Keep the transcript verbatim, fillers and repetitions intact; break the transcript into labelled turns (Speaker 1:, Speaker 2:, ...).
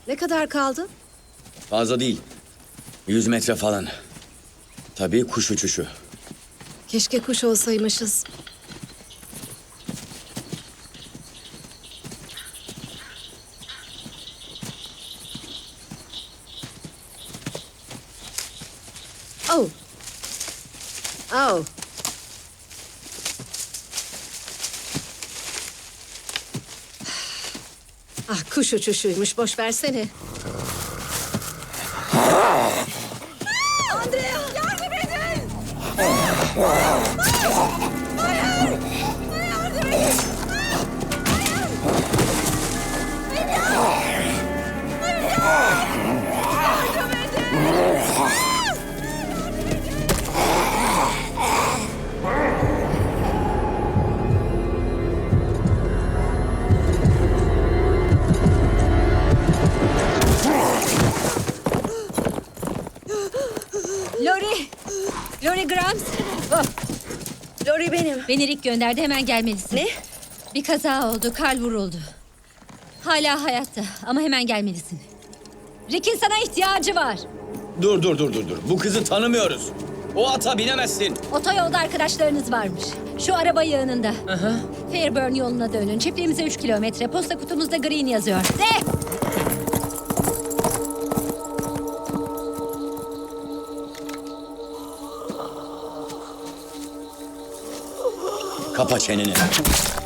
Speaker 1: Ne kadar kaldı?
Speaker 2: Fazla değil. Yüz metre falan. Tabii kuş uçuşu.
Speaker 1: Keşke kuş olsaymışız. Oh. Oh. Ah, kuş uçuşuymuş. Boş versene. Andrea! Yardım edin! Hayır! Hayır! Yardım edin!
Speaker 3: Lori! Lori Grams!
Speaker 1: Oh. Lori benim.
Speaker 3: Beni Rick gönderdi, hemen gelmelisin.
Speaker 1: Ne?
Speaker 3: Bir kaza oldu, Karl vuruldu. Hala hayatta ama hemen gelmelisin. Rick'in sana ihtiyacı var.
Speaker 2: Dur dur dur dur dur. Bu kızı tanımıyoruz. O ata binemezsin.
Speaker 3: Otoyolda arkadaşlarınız varmış. Şu araba yığınında.
Speaker 2: Aha.
Speaker 3: Fairburn yoluna dönün. Çiftliğimize üç kilometre. Posta kutumuzda Green yazıyor. Ne?
Speaker 2: Kapa çeneni.